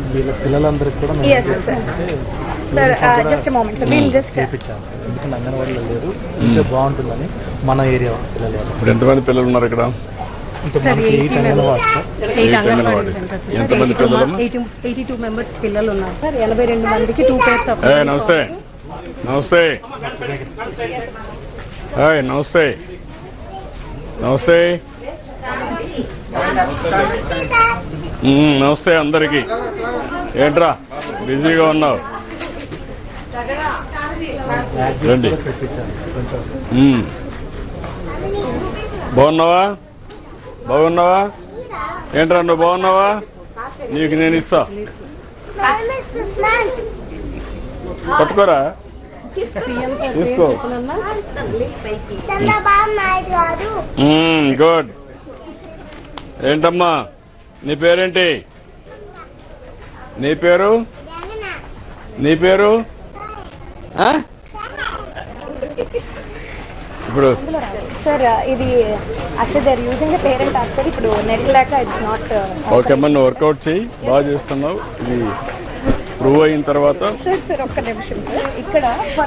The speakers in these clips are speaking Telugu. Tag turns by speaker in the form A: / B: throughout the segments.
A: వీళ్ళ పిల్లలందరికీ కూడా
B: Yes, sir. Sir, just a moment. So we'll just.
A: చేయించాం సార్, ఎందుకంటే అంగన్వాడీలో లేరు, ఇంకా బాగుంటుందని మన ఏరియా పిల్లలు.
C: ఇప్పుడు ఎంతమంది పిల్లలు ఉన్నారు ఇక్కడ?
A: అంటే మనకి 8 అంగన్వాడీ సార్.
C: 8 అంగన్వాడీ. ఎంతమంది పిల్లలు?
B: 82 మెంబర్స్ పిల్లలు ఉన్నారు సార్. 82 మందికి 2 pairs of.
C: నమస్తే నమస్తే నమస్తే నమస్తే నమస్తే అందరికి. ఏంట్రా బిజీగా ఉన్నావు? రండి. బాగున్నావా? బాగున్నావా? ఏంట్రా నువ్వు బాగున్నావా? నీకు నేను ఇస్తా, పట్టుకోరా, తీసుకో. గుడ్. ఏంటమ్మా నీ పేరేంటి? నీ పేరు? నీ పేరు? ఇప్పుడు
B: సార్ ఇది అసలు they are using parent actor. ఇప్పుడు నెట్ లేక ఇట్స్ నాట్.
C: ఓకే అమ్మా, నువ్వు వర్కౌట్ చేయి, బాగా చేస్తున్నావు. ఇది ప్రూవ్ అయిన తర్వాత
B: సార్ ఒక్క నిమిషం సార్. ఇక్కడ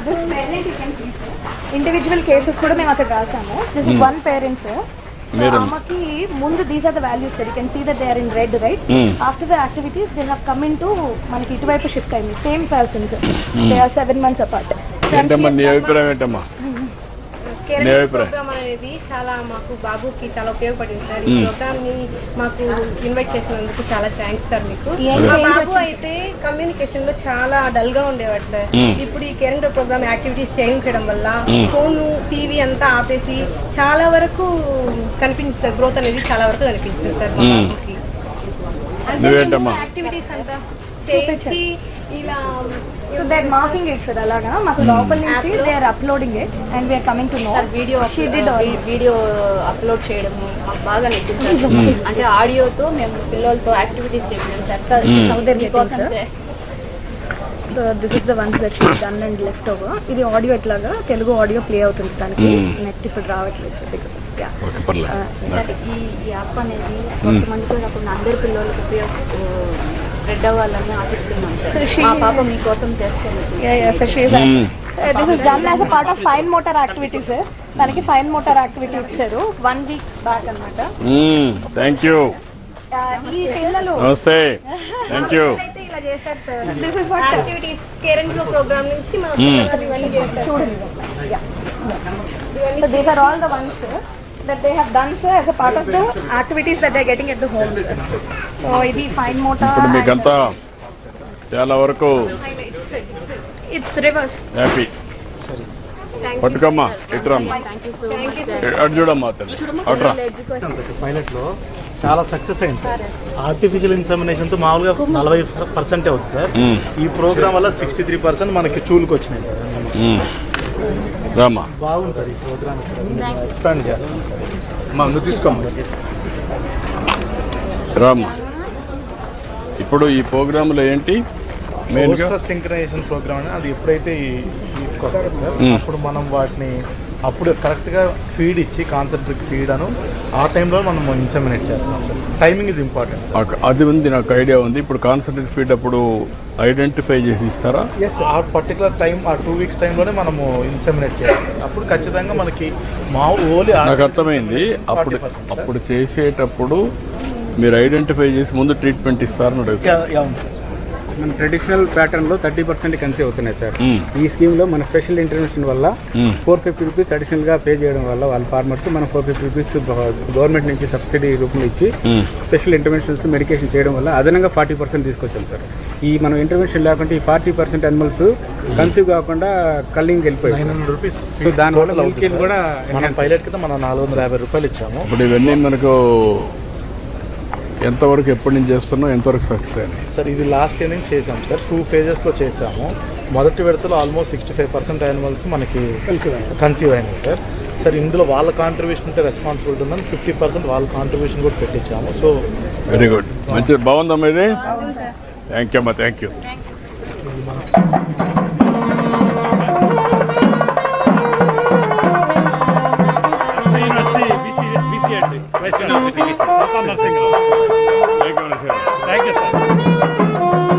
B: ఇండివిజువల్ కేసెస్ కూడా మేము అక్కడ రాసాము. This is 1 parent sir. ఆమెకి ముందు these are the values sir. You can see that they are in red right. After the activities they have come in to మనకి ఇటువైపు షిఫ్ట్ అయింది. Same persons, they are 7 months apart.
C: ఏంటమ్మా నీ అభిప్రాయం? ఏంటమ్మా నీ అభిప్రాయం?
D: ప్రోగ్రామ్ అనేది చాలా మాకు బాబుకి చాలా ఉపయోగపడింది సార్. ఈ ప్రోగ్రామ్ ని మాకు ఇన్వైట్ చేసినందుకు చాలా థ్యాంక్స్ సార్ మీకు. మా బాబు అయితే కమ్యూనికేషన్ లో చాలా డల్ గా ఉండేవాడు సార్. ఇప్పుడు ఈ కేరింగ్ ప్రోగ్రామ్ యాక్టివిటీస్ చేయించడం వల్ల ఫోన్ టీవీ అంతా ఆపేసి చాలా వరకు కనిపించింది సార్. గ్రోత్ అనేది చాలా వరకు కనిపించింది సార్ మా బాబుకి. యాక్టివిటీస్ అంతా చేయించి ఇలా
B: so they are marking it sir. అలాగా మాకు లోపల నుంచి they are uploading it and we are coming to know.
D: Video upload చేయడం మాకు బాగా నచ్చింది. అంటే ఆడియోతో మేము పిల్లలతో యాక్టివిటీస్ చేసాం sir.
B: So this is the ones that she done and left over. ఇది ఆడియో ఎట్లాగా తెలుగు ఆడియో ప్లే అవుతుంది. దానికి నెట్ ఇప్పుడు రావట్లేదు సార్.
D: ఈ యాప్ అనేది కొంతమందితో కాకుండా అందరి పిల్లలకు స్ప్రెడ్ అవ్వాలని ఆశిస్తున్నాం సార్. మా పాప మీకోసం చేస్తాను.
B: This is done as a part of fine motor activity sir. దానికి ఫైన్ మోటార్ యాక్టివిటీ ఇచ్చారు 1 week బ్యాక్ అనమాట.
C: Thank you.
B: ఈ పిల్లలు
C: నమస్తే. Thank you.
B: ఇలా చేశారు sir. This is what
D: activities caring program నుంచి మా ఇవన్నీ చేస్తారు
B: చూడండి. So these are all the ones that they have done sir as a part of the activities that they are getting at the home sir. So ఇది fine motor.
C: ఇప్పుడు మీకంతా చాలా వరకు
B: it's reverse.
C: హ్యాపీ. పట్టుకమ్మా, ఇట్రమ్మా, అటు చూడమ్మా, అట్రా.
A: పైలట్ లో చాలా సక్సెస్ అయింది సార్. ఆర్టిఫిషియల్ ఇన్సెమినేషన్ తో మామూలుగా 40% అవుతుంది సార్. ఈ ప్రోగ్రామ్ వల్ల 63% మనకి చూలుకు వచ్చినాయి సార్.
C: రామా,
A: బాగుంది సార్ ఈ ప్రోగ్రామ్. ఎక్స్పాండ్ చేస్తాం సార్. నువ్వు తీసుకోమ్మా.
C: రామా, ఇప్పుడు ఈ ప్రోగ్రాంలో ఏంటి
A: సింక్రనైజేషన్ ప్రోగ్రామ్ అని అది ఎప్పుడైతే వస్తుంది సార్, అప్పుడు మనం వాటిని అప్పుడు కరెక్ట్గా ఫీడ్ ఇచ్చి కాన్సెంట్రిక్ ఫీడ్ అను ఆ టైంలో మనం ఇన్సెమినేట్ చేస్తాం సార్. Timing is important.
C: అది ఉంది, నాకు ఐడియా ఉంది. ఇప్పుడు కాన్సెంట్రేట్ ఫీడ్ అప్పుడు ఐడెంటిఫై చేసి ఇస్తారా?
A: ఎస్, ఆ పర్టికులర్ టైం, ఆ 2 weeks టైంలోనే మనము ఇన్సెమినేట్ చేయాలి. అప్పుడు ఖచ్చితంగా మనకి ఓన్లీ
C: నాకు అర్థమైంది. అప్పుడు చేసేటప్పుడు మీరు ఐడెంటిఫై చేసి ముందు ట్రీట్మెంట్ ఇస్తారని అడుగుతారు.
E: మన ట్రెడిషనల్ ప్యాటర్న్ లో 30% కన్సీవ్ అవుతున్నాయి సార్. ఈ స్కీమ్ లో మన స్పెషల్ ఇంటర్వెన్షన్ వల్ల 450 రూపీస్ అడిషనల్ గా పే చేయడం వల్ల వాళ్ళ ఫార్మర్స్ మన 450 రూపీస్ గవర్నమెంట్ నుంచి సబ్సిడీ రూపంలో ఇచ్చి స్పెషల్ ఇంటర్వెన్షన్స్ మెడికేషన్ చేయడం వల్ల అదనంగా 40% తీసుకొచ్చాం సార్. ఈ మనం ఇంటర్వెన్షన్ లేకుంటే ఈ 40% అనిమల్స్ కన్సీవ్ కాకుండా కల్లింగ్ వెళ్ళిపోయాయి.
A: 900 రూపీస్.
E: సో దానివల్ల కూడా
A: మనం పైలట్ కింద మనం 450 రూపాయలు ఇచ్చాము.
C: ఇప్పుడు ఇవన్నీ మనకు ఎంతవరకు ఎప్పటి నుంచి చేస్తున్నాం, ఎంతవరకు సక్సెస్ అయినాయి
A: సార్? ఇది లాస్ట్ ఇయర్ నుంచి చేసాం సార్. 2 phases చేసాము. మొదటి విడతలో ఆల్మోస్ట్ 65% యానిమల్స్ మనకి కన్సీవ్ అయినాయి సార్. సార్ ఇందులో వాళ్ళ కాంట్రిబ్యూషన్ అంటే రెస్పాన్సిబిలిటీ ఉందని 50% వాళ్ళ కాంట్రిబ్యూషన్ కూడా పెట్టించాము. సో
C: వెరీ గుడ్, మంచిది, బాగుందమ్మా ఇది. థ్యాంక్ యూ అమ్మా, thank you.
F: Thank you, sir.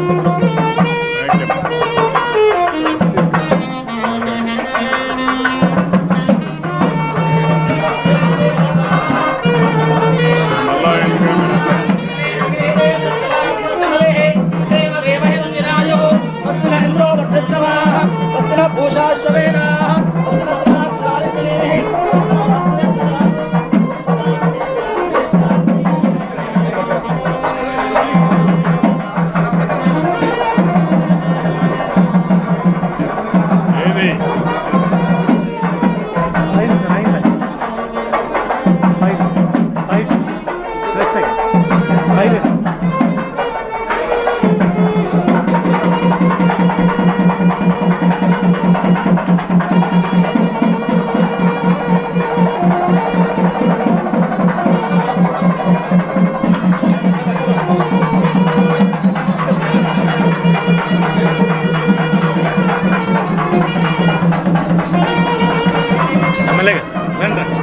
A: MLA రండి